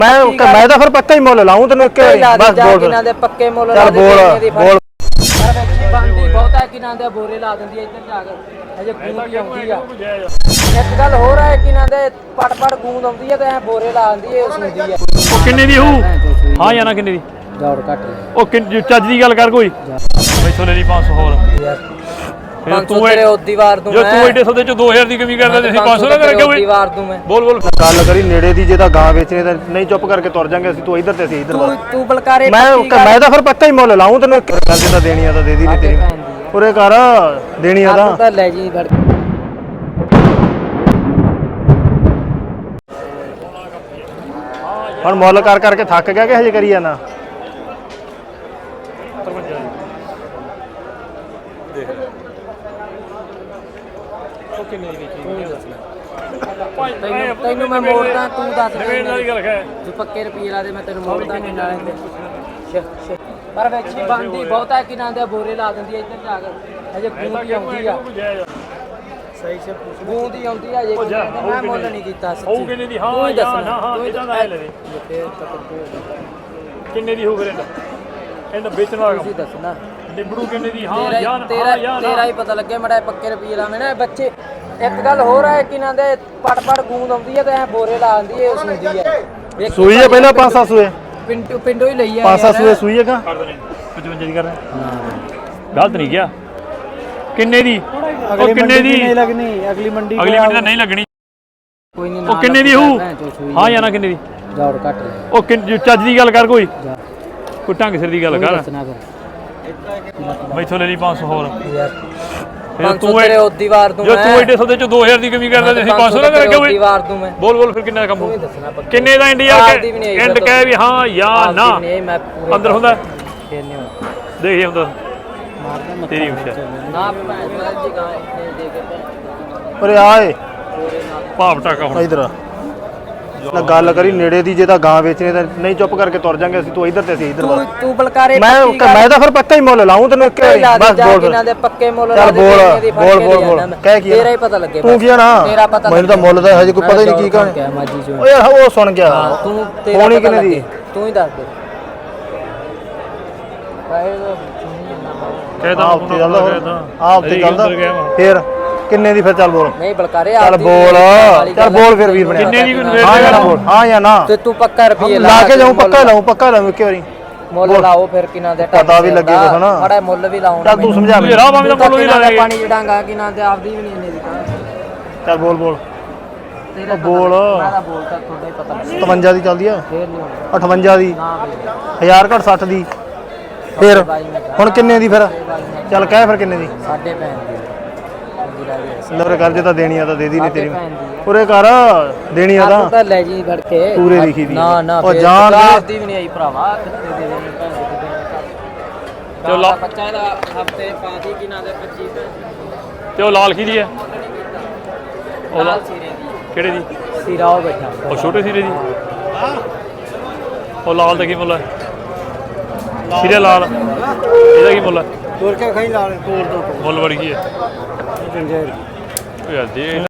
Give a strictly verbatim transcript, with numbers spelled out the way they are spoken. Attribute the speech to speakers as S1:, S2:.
S1: मैं मैं तो फिर पक्का ही मोल लाऊं तेन एक बस बोल
S2: किना दे पक्के मोल
S1: चल बोल बोल
S2: ਬੰਦੀ ਬਹੁਤਾ ਕਿਨਾਂ ਦੇ ਬੋਰੇ ਲਾ ਦਿੰਦੀ ਐ ਇੱਧਰ ਜਾ ਕੇ ਅਜੇ ਗੂੰਦ ਆਉਂਦੀ ਆ ਇੱਕ ਗੱਲ ਹੋਰ ਹੈ ਕਿਨਾਂ ਦੇ ਪੜ ਪੜ ਗੂੰਦ ਆਉਂਦੀ ਆ ਤੇ ਐ ਬੋਰੇ ਲਾ ਦਿੰਦੀ ਐ ਸੁਣਦੀ ਆ
S3: ਉਹ ਕਿੰਨੇ ਦੀ ਹੋਊ ਹਾਂ ਜਾਂ ਨਾ ਕਿੰਨੇ ਦੀ
S2: ਦੌੜ ਘੱਟ
S3: ਉਹ ਕਿੰਨ ਚੱਜ ਦੀ ਗੱਲ ਕਰ ਕੋਈ ਮੈਥੋਂ ਲੈ ਲਈ ਪੰਜ ਸੌ ਹੋਰ
S2: ਫਿਰ ਤੂੰ ਤੇਰੇ ਉਹਦੀ ਵਾਰ ਦੂੰ
S3: ਜੋ ਤੂੰ ਐਡੇ ਸੌਦੇ ਚ ਦੋ ਹਜ਼ਾਰ ਦੀ ਕਮੀ ਕਰਦਾ ਤੁਸੀਂ ਪੰਜ ਸੌ ਨਾ ਕਰਕੇ
S2: ਉਹਦੀ ਵਾਰ ਦੂੰ ਮੈਂ
S3: ਬੋਲ ਬੋਲ
S1: ਗੱਲ ਕਰੀ ਨੇੜੇ ਦੀ ਜੇ ਤਾਂ ਗਾਂ ਵੇਚਣੀ ਤਾਂ ਨਹੀਂ ਚੁੱਪ ਕਰਕੇ ਤੁਰ ਜਾਾਂਗੇ ਅਸੀਂ ਤੂੰ ਇੱਧਰ ਤੇ ਅਸੀਂ ਇੱਧਰ
S2: ਤੂੰ ਤੂੰ ਬਲਕਾਰੇ
S1: ਮੈਂ ਮੈਂ ਤਾਂ ਫਿਰ ਪੱਕਾ ਹੀ ਮੁੱਲ ਲਾऊं ਤੈਨੂੰ ਇੱਕ ਗੱਲ ਜੇ ਤਾਂ ਦੇਣੀ ਆ ਤਾਂ ਦੇ ਦੀ ਨਹੀਂ ਤੇਰੀ ਉਰੇ ਕਰ ਦੇਣੀ ਆ ਤਾਂ
S2: ਤਾਂ ਲੈ ਜੀ ਫੜ
S1: ਹੁਣ ਮੁੱਲ ਕਰ ਕਰਕੇ ਥੱਕ ਗਿਆ ਕਿ ਹਜੇ ਕਰੀ ਜਾਣਾ
S2: ਤੈਨੂੰ ਤੈਨੂੰ ਮੈਂ ਮੋੜਦਾ ਤੂੰ ਦੱਸ ਦੇ ਵਾਲੀ ਗੱਲ ਹੈ ਤੂੰ ਪੱਕੇ ਰੁਪਏ ਲਾ ਦੇ ਮੈਂ ਤੈਨੂੰ ਮੋੜਦਾ ਨਹੀਂ ਨਾਲੇ ਪਰ ਵੇਚੀ ਬੰਦੀ ਬਹੁਤਾ ਕਿਨਾਂ ਦੇ ਬੋਰੇ ਲਾ ਦਿੰਦੀ ਐ ਇੱਧਰ ਜਾ ਕੇ ਅਜੇ ਗੂੰਦ ਆਉਂਦੀ ਆ ਸਹੀ ਸੇ ਪੁੱਛ ਗੂੰਦ ਹੀ ਆਉਂਦੀ ਆ ਜੇ ਮੈਂ ਮੁੱਲ ਨਹੀਂ ਕੀਤਾ ਸੱਚੀ
S3: ਉਹ ਕਿੰਨੇ ਦੀ ਹਾਂ ਜਾਂ ਨਾ ਹਾਂ ਇਦਾਂ ਦਾ ਲੈ ਦੇ ਕਿੰਨੇ ਦੀ ਹੋ ਫਿਰ ਇਹਦਾ ਵੇਚਣ ਵਾਲਾ
S2: ਤੁਸੀਂ ਦੱਸਣਾ
S3: ਨਿਬੜੂ ਕਿੰਨੇ ਦੀ ਹਾਂ ਜਾਂ
S2: ਤੇਰਾ ਤੇਰਾ ਹੀ ਪਤਾ ਲੱਗੇ ਮੜਾ ਪੱਕੇ ਰੁਪਏ ਲਾਵੇਂ ਨਾ ਬੱਚੇ ਇੱਕ ਗੱਲ ਹੋਰ ਹੈ ਕਿਨਾਂ ਦੇ ਪੜ ਪੜ ਗੂੰਦ ਆਉਂਦੀ ਆ ਤੇ ਐ ਬੋਰੇ ਲਾ ਦਿੰਦੀ ਐ ਸੁਣਦੀ ਐ
S1: ਸੂਈ ਹੈ ਪਹਿਲਾਂ ਪੰਜ ਸੱਤ ਸੂਏ
S2: ਪਿੰਡੋਂ ਪਿੰਡੋਂ ਹੀ ਲਈ ਆ
S1: ਪੰਜ ਸੱਤ ਸੂਏ ਸੂਈ ਹੈਗਾ
S3: ਪਚਵੰਜਾ ਦੀ ਕਰ ਗਲਤ ਨਹੀਂ ਗਿਆ ਕਿੰਨੇ ਦੀ ਉਹ ਕਿੰਨੇ ਦੀ
S1: ਨਹੀਂ ਲੱਗਣੀ ਅਗਲੀ ਮੰਡੀ
S3: ਅਗਲੀ ਮੰਡੀ ਤਾਂ ਨਹੀਂ ਲੱਗਣੀ
S2: ਕੋਈ ਨਹੀਂ
S3: ਉਹ ਕਿੰਨੇ ਦੀ ਹੋਊ ਹਾਂ ਜਾਂ ਨਾ ਕਿੰਨੇ ਦੀ
S2: ਦੌੜ ਘੱਟ
S3: ਉਹ ਕਿੰਨ ਚੱਜ ਦੀ ਗੱਲ ਕਰ ਕੋਈ ਕੋਈ ਢੰਗ ਸਿਰ ਦੀ ਗੱਲ ਕਰ ਮੈਥੋਂ ਲੈ ਲਈ ਪੰਜ ਸੌ ਹੋਰ
S2: ਫਿਰ ਤੂੰ ਤੇਰੇ ਉਹਦੀ ਵਾਰ ਦੂੰ
S3: ਜੋ ਤੂੰ ਐਡੇ ਸੌਦੇ ਚ ਦੋ ਹਜ਼ਾਰ ਦੀ ਕਮੀ ਕਰਦਾ ਤੁਸੀਂ ਪੰਜ ਸੌ ਨਾ ਕਰਕੇ
S2: ਉਹਦੀ ਵਾਰ ਦੂੰ ਮੈਂ
S3: ਬੋਲ ਬੋਲ ਫਿਰ ਕਿੰਨਾ ਕੰਮ
S2: ਤੂੰ ਹੀ ਦੱਸਣਾ ਪੱਕਾ
S3: ਕਿੰਨੇ ਦਾ ਇੰਡੀਆ ਐਂਡ ਕਹਿ ਵੀ ਹਾਂ ਜਾਂ ਨਾ
S2: ਮੈਂ ਪੂਰੇ
S3: ਅੰਦਰ ਹੁੰਦਾ
S2: ਫੇਰ ਨਹੀਂ ਹੁੰਦਾ
S3: ਦੇਖ ਇਹ ਹੁੰਦਾ
S2: ਮਾਰਦਾ
S3: ਤੇਰੀ ਉੱਚਾ
S2: ਨਾ ਭੈਣ ਜੀ ਗਾਂ ਦੇ ਕੇ ਭੈਣ
S1: ਉਰੇ ਆਏ
S3: ਭਾਵ ਟਾਕਾ ਹੁਣ
S1: ਇਧਰ ਨਾ ਗੱਲ ਕਰੀ ਨੇੜੇ ਦੀ ਜੇ ਤਾਂ ਗਾਂ ਵੇਚਣੀ ਤਾਂ ਨਹੀਂ ਚੁੱਪ ਕਰਕੇ ਤੁਰ ਜਾਾਂਗੇ ਅਸੀਂ ਤੂੰ ਇੱਧਰ ਤੇ ਅਸੀਂ ਇੱਧਰ
S2: ਤੂੰ ਤੂੰ ਬਲਕਾਰੇ
S1: ਮੈਂ ਮੈਂ ਤਾਂ ਫਿਰ ਪੱਕਾ ਹੀ ਮੁੱਲ ਲਾऊं ਤੈਨੂੰ ਇੱਕ ਬਸ ਬੋਲ
S2: ਕਿਨਾਂ ਦੇ ਪੱਕੇ ਮੁੱਲ
S1: ਚੱਲ ਬੋਲ ਬੋਲ ਬੋਲ ਬੋਲ ਕਹਿ ਕੀ
S2: ਤੇਰਾ ਹੀ ਪਤਾ ਲੱਗੇ
S1: ਤੂੰ ਕੀ ਨਾ
S2: ਤੇਰਾ ਪਤਾ
S1: ਮੈਨੂੰ ਤਾਂ ਮੁੱਲ ਦਾ ਹਜੇ ਕੋਈ ਪਤਾ ਹੀ ਨਹੀਂ ਕੀ ਕਹਣਾ
S2: ਮਾਜੀ ਜੋ
S1: ਓਏ ਉਹ ਸੁਣ ਗਿਆ
S2: ਤੂੰ ਤੇਰਾ
S1: ਹੋਣੀ
S2: ਪਤਾ
S1: ਕਿੰਨੇ ਦੀ
S2: ਲੱਗੇ ਤੂੰ ਹੀ ਦੱਸ ਦੇ
S3: ਕਹਿਦਾ
S1: ਆਪ ਤੇ ਚੱਲਦਾ ਆਪ ਤੇ ਚੱਲਦਾ ਫੇਰ ਕਿੰਨੇ ਦੀ ਫਿਰ ਚੱਲ ਬੋਲ
S2: ਨਹੀਂ ਬਲਕਾਰੇ
S1: ਚੱਲ ਬੋਲ ਚੱਲ ਬੋਲ ਫਿਰ ਵੀਰ ਬਣਿਆ
S3: ਕਿੰਨੇ ਦੀ
S1: ਹਾਂ ਜਾਂ ਨਾ ਬੋਲ ਹਾਂ ਜਾਂ ਨਾ
S2: ਤੇ ਤੂੰ ਪੱਕਾ ਰੁਪਏ
S1: ਲਾ ਕੇ ਜਾਊਂ ਪੱਕਾ ਲਾऊं ਪੱਕਾ ਲਾऊं ਇੱਕ ਵਾਰੀ
S2: ਮੁੱਲ ਲਾਓ ਫਿਰ ਕਿਨਾਂ ਦੇ
S1: ਪਤਾ ਵੀ ਲੱਗੇ ਕੁਛ ਨਾ
S2: ਬੜਾ ਮੁੱਲ ਵੀ ਲਾਉਣਾ
S1: ਚੱਲ ਤੂੰ ਸਮਝਾ
S3: ਤੂੰ ਰਾਹ ਭਾਵੇਂ ਤਾਂ ਮੁੱਲ ਵੀ ਲਾ ਦੇ
S2: ਪਾਣੀ ਜੜਾਂਗਾ ਕਿਨਾਂ ਤੇ ਆਪਦੀ ਵੀ ਨਹੀਂ ਇੰਨੇ ਦੀ
S1: ਚੱਲ ਬੋਲ ਬੋਲ
S2: ਤੇਰਾ
S1: ਬੋਲ
S2: ਮੈਂ ਤਾਂ ਬੋਲਦਾ ਤੁਹਾਡਾ ਹੀ ਪਤਾ ਲੱਗੇ
S1: ਸਤਵੰਜਾ ਦੀ ਚੱਲਦੀ ਆ
S2: ਫੇਰ ਨਹੀਂ ਹੋਣਾ
S1: ਅਠਵੰਜਾ ਦੀ
S2: ਨਾ
S1: ਹਜ਼ਾਰ ਘੱਟ ਸੱਠ ਦੀ ਫਿਰ ਹੁਣ ਕਿੰਨੇ ਦੀ ਫਿਰ ਚੱਲ ਕਹਿ ਫਿਰ ਕਿੰਨੇ ਦੀ
S2: ਸਾਡੇ ਭੈਣ ਦੀ
S1: ਲਵਰ ਕਰ ਜੇ ਤਾਂ ਦੇਣੀ ਆ ਤਾਂ ਦੇ ਦੀ ਨਹੀਂ ਤੇਰੀ ਉਰੇ ਕਰ ਦੇਣੀ ਆ ਤਾਂ
S2: ਤਾਂ ਲੈ ਜੀ ਫੜ ਕੇ
S1: ਪੂਰੇ ਲਿਖੀ ਦੀ
S2: ਨਾ ਨਾ
S1: ਉਹ ਜਾਣ
S2: ਆਪਦੀ ਵੀ ਨਹੀਂ ਆਈ ਭਰਾਵਾ ਕਿੱਥੇ ਦੇ ਦੇਣੀ ਭੈਣ ਦੇ
S3: ਚਲੋ ਲਾ
S2: ਬੱਚਾ ਇਹਦਾ ਹਫਤੇ ਪਾਦੀ ਕਿਨਾਂ ਦੇ ਪੱਚੀ
S3: ਤੇ ਉਹ ਲਾਲ ਕੀ ਦੀ ਹੈ ਉਹ
S2: ਲਾਲ ਸੀਰੇ ਦੀ
S3: ਕਿਹੜੇ ਦੀ
S2: ਸੀਰਾ ਉਹ ਬੈਠਾ
S3: ਉਹ ਛੋਟੇ ਸੀਰੇ ਦੀ ਉਹ ਲਾਲ ਦਾ ਕੀ ਮੁੱਲ ਹੈ ਸੀਰੇ ਲਾਲ ਇਹਦਾ ਕੀ ਮੁੱਲ ਹੈ
S1: ਤੋੜ ਕੇ ਖਾਈ ਲਾ ਤੋੜ ਦੋ
S3: ਮੁੱਲ ਬੜੀ ਕੀ ਹੈ
S1: ਜੰਜੇਰ
S3: ਯਾਰ ਦੇ